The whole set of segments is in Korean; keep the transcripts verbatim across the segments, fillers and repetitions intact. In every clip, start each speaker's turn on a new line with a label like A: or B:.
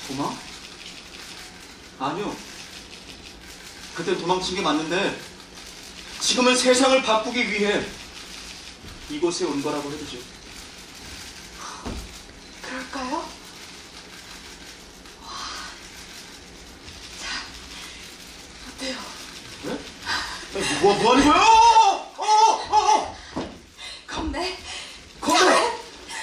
A: 도망? 아니요. 그때 도망친 게 맞는데 지금은 세상을 바꾸기 위해 이곳에 온 거라고 해도죠.
B: 그럴까요? 와. 자, 어때요?
A: 네? 아니, 뭐, 뭐 하는 거야? 어! 어! 어! 어!
B: 겁내?
A: 겁내!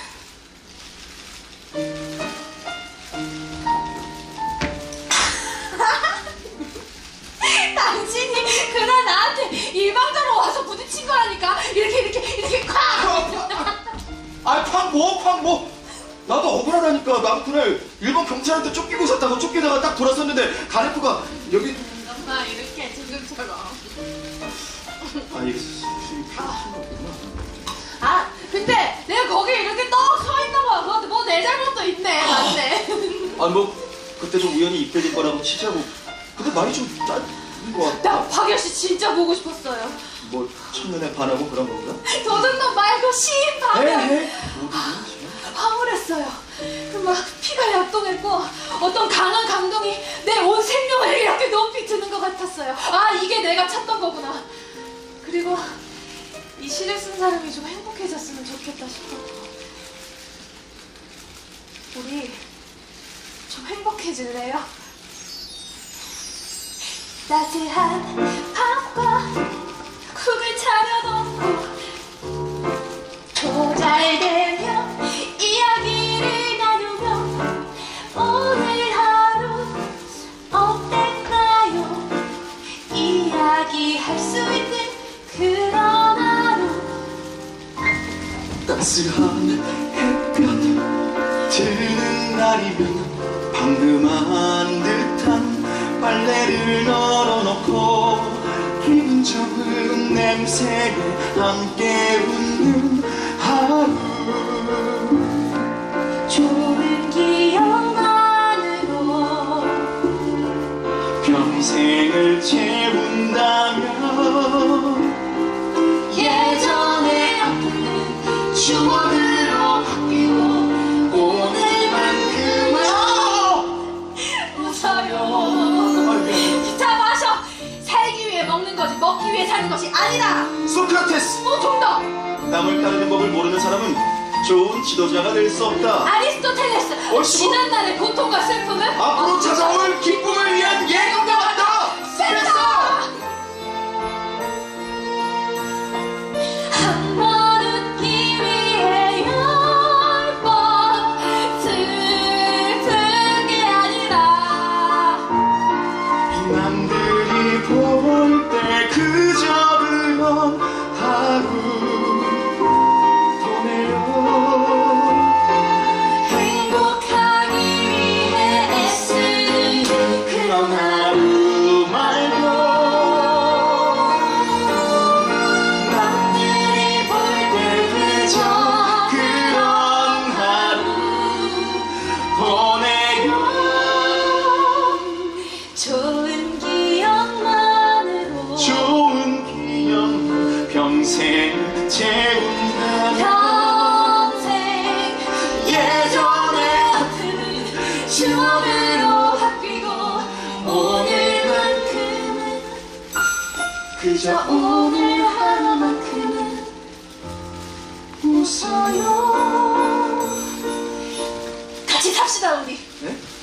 B: 당신이 그날 나한테 일방적으로 와서 부딪힌 거라니까. 이렇게 이렇게 이렇게 콱!
A: 아, 팡 뭐? 팡 뭐? 나도 억울하다니까. 나도 그날 일본 경찰한테 쫓기고 있었다고 쫓기다가 딱 돌아섰는데 가네프가 여기...
B: 엄마 이렇게 지금처럼.
A: 아, 이게 수입이 필요한 거구나.
B: 아, 근데 내가 거기 이렇게 떡 서 있는 거야. 그것도 뭐 내 잘못도 있네. 맞네.
A: 아니 뭐 그때 좀 우연히 입대된 거라고 치자고. 근데 말이 좀 짧은 거 같아.
B: 나 박열 씨 진짜 보고 싶었어요.
A: 뭐 첫눈에 반하고 그런 건가?
B: 도둑놈 말고 시인 박열.
A: 에헤. 모두는 지금.
B: 황홀했어요. 그 막 피가 약동했고 어떤 강한 감동이 내 온 생명을 이렇게 높이 드는 것 같았어요. 아, 이게 내가 찾던 거구나. 그리고 이 시를 쓴 사람이 좀 행복해졌으면 좋겠다 싶었고. 우리 좀 행복해질래요? 따스한 밤과 국을 차려놓고 조잘되며 이야기를 나누며 오늘 하루 어땠나요? 이야기할 수 있는 그런 하루.
A: 따스한 햇볕 드는 날이면 방금 한 듯한 빨래를 널어놓고 기분 좋은 냄새에 함께 웃는 하루.
B: 좋은 기억만으로
A: 평생을 채운다면
B: 예전의 아픈 추억으로 바뀌고 오늘만큼은 웃어요. 자, 마셔. 살기 위해 먹는 거지 먹기 위해 사는 것이 아니다.
A: 소크라테스!
B: 뭐 정답.
A: 남을 따르는 법을 모르는 사람은 좋은 지도자가 될 수 없다.
B: 아리스토텔레스.
A: 옳지.
B: 지난날의 고통과 슬픔을
A: 앞으로 찾아올 기쁨을 위한 예감과 같다.
B: 스페서. 한 번 웃기 위해 열 번 슬픈 게 아니라
A: 남들이 볼 때 그저 그런 하루 보내요.
B: 행복하기 위해 애쓰는 그런 하루
A: 말고
B: 남들이 볼 때 그저
A: 그런 하루 보내요.
B: 좋은 기억만으로
A: 좋은 기억 평생 채운다.
B: 평생 예전의 아픔은 추억으로 바뀌고 오늘만큼은
A: 그저
B: 오늘 하루만큼은 웃어요. 같이 삽시다 우리.
A: 네?